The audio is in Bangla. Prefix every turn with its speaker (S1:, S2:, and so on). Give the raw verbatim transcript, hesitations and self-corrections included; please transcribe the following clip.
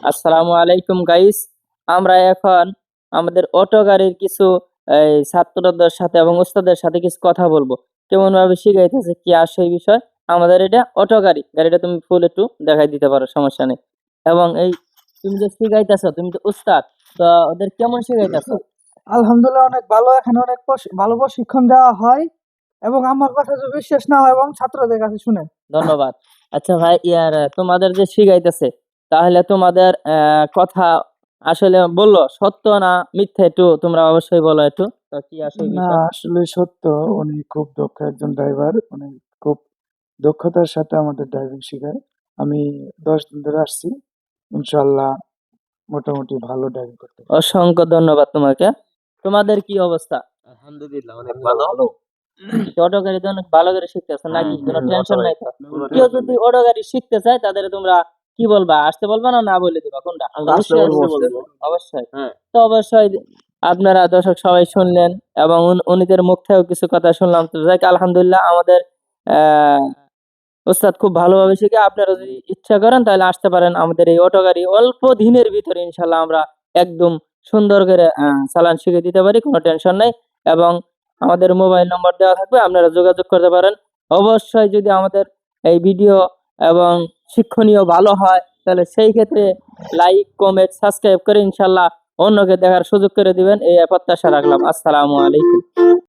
S1: আসসালামু আলাইকুম গাইস। আমরা এখন আমাদের অটো গাড়ির কিছু এই ছাত্রদের সাথে এবং উস্তাদের সাথে কিছু কথা বলবো। কেমন ভাবে শিখাইতেছে কি আর সেই বিষয়। আমাদের এটা অটো গাড়ি, গাড়িটা তুমি ফুল একটু দেখাই দিতে পারো, সমস্যা নেই। এবং এই তুমি যে শিখাইতেছো, তুমি তো উস্তাদ, তো ওদের কেমন শিখাইতেছো?
S2: আলহামদুলিল্লাহ অনেক ভালো। এখানে অনেক প্রশি- ভালো প্রশিক্ষণ দেওয়া হয় এবং আমার কথা যদি বিশ্বাস না হয় এবং ছাত্রদের কাছে শুনে।
S1: ধন্যবাদ। আচ্ছা ভাই, ইয়ার আহ, তোমাদের যে শিখাইতেছে, তাহলে তোমাদের আহ, কথা আসলে বললো সত্য না মিথ্যা, একটু তোমরা অবশ্যই বলো একটু, তো কি আসলে
S3: না,
S1: বিষয়।
S3: আসলে সত্য। উনি খুব দক্ষ একজন ড্রাইভার। উনি খুব দক্ষতার সাথে আমাদের ড্রাইভিং শেখায়। আমি দশ দিন ধরে আসছি। ইনশাল্লাহ মোটামুটি ভালো ড্রাইভিং করতে পারি।
S1: অসংখ্য ধন্যবাদ তোমাকে। তোমাদের কি অবস্থা?
S4: আলহামদুলিল্লাহ অনেক ভালো।
S1: অটো গাড়ি তো অনেক ভালো করে শিখতেছো নাকি?
S4: হ্যাঁ,
S1: কোনো
S4: হ্যাঁ,
S1: টেনশন
S4: অটো
S1: নাই তো?
S4: কোনো
S1: কেউ
S4: টেনশন
S1: যদি
S4: নেই।
S1: অটো গাড়ি শিখতে চায়, তাদের তোমরা কি বলবা? আসতে বলবা না না বলে দিবা, কোনটা?
S4: আমরা আসতে
S1: অবশ্যই
S4: বলবো।
S1: আসতে বলবো। অবশ্যই।
S4: হ্যাঁ।
S1: তো অবশ্যই আপনারা দর্শক সবাই শুনলেন এবং উন- উনিদের মুখ থেকেও কিছু কথা শুনলাম। তো যাক, আলহামদুলিল্লাহ আমাদের আহ ওস্তাদ খুব ভালোভাবে শিখে। আপনারা যদি ইচ্ছা করেন তাহলে আসতে পারেন আমাদের এই অটো গাড়ি। অল্প দিনের ভিতরে ইনশাল্লাহ আমরা একদম সুন্দর করে আহ, চালান শিখে দিতে পারি, কোনো টেনশন নাই। এবং আমাদের মোবাইল নম্বর দেওয়া থাকবে, আপনারা যোগাযোগ করতে পারেন। অবশ্যই যদি আমাদের এই ভিডিও এবং শিক্ষণীয় ভালো হয়, তাহলে সেই ক্ষেত্রে লাইক কমেন্ট সাবস্ক্রাইব করে ইনশাল্লাহ অন্যকে দেখার সুযোগ করে দিবেন, এই প্রত্যাশা রাখলাম। আসসালামু আলাইকুম।